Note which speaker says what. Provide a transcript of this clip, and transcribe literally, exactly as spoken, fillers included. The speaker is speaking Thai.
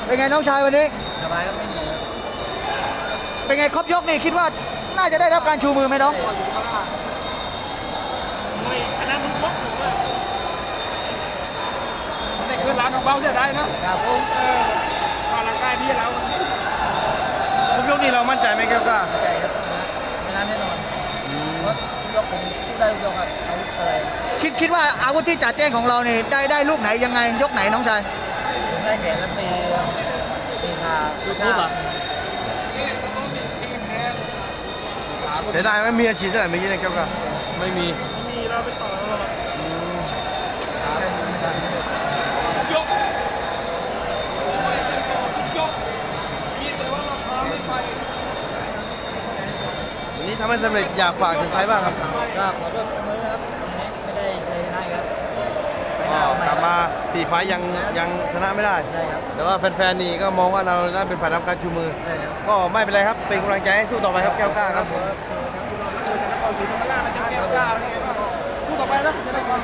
Speaker 1: เป็นไงน้องชายวันนี้
Speaker 2: สบายก็ไม่มี
Speaker 1: เป็นไงครบยกนี่คิดว่าน่าจะได้รับการชูมือไหมน้อง
Speaker 3: ไม่ชนะทุกยกเลยแต่คือร้านของเบาเสียได้นะครับ
Speaker 2: ผม
Speaker 3: เออมาร่างกายดีแล้ว
Speaker 4: ครบยกนี้เรามั่นใจไหมแก้วกล้า
Speaker 2: ใจครับชนะแน่นอนเพราะยกผมสู้ได้ทุกยกครับอาวุธอะไร
Speaker 1: คิดคิดว่าอาวุธที่จ่าแจ้งของเราเนี่ยได้ได้ลูกไหนยังไงยกไหนน้องชาย
Speaker 2: ผมได้แขนแล้วตีตีขาตีขา
Speaker 4: เสียดายไหมมีอาชีพเท่าไหร่เมื่อกี้นะแก้วกล้าไม่มี
Speaker 3: มีเราไปต่อแล้วทุกยกไม่เป็นต่อทุกยกมีแต่ว่าเราช้าไม่ไป
Speaker 4: วันนี้ทำให้สำเร็จอยากฝากถึงใครบ้างครับ
Speaker 2: ก็ขอโทษเสมอครับวันนี้ไม่ได้ชัยชนะครับ
Speaker 4: ก็กลับมาสี่ไฟล์ยังยังชนะไม่ได้
Speaker 2: ได้ครับ
Speaker 4: แต่ว่าแฟนๆนี่ก็มองว่าเราได้เป็นฝ่ายรับการชูมือ
Speaker 2: ได้ครับ
Speaker 4: ก็ไม่เป็นไรครับ เป็นกำลังใจให้สู้ต่อไปครับแก้วกล้าครับ
Speaker 3: นครศรีธรรมราชนะแก้วกล้าสู้ต่อไปนะ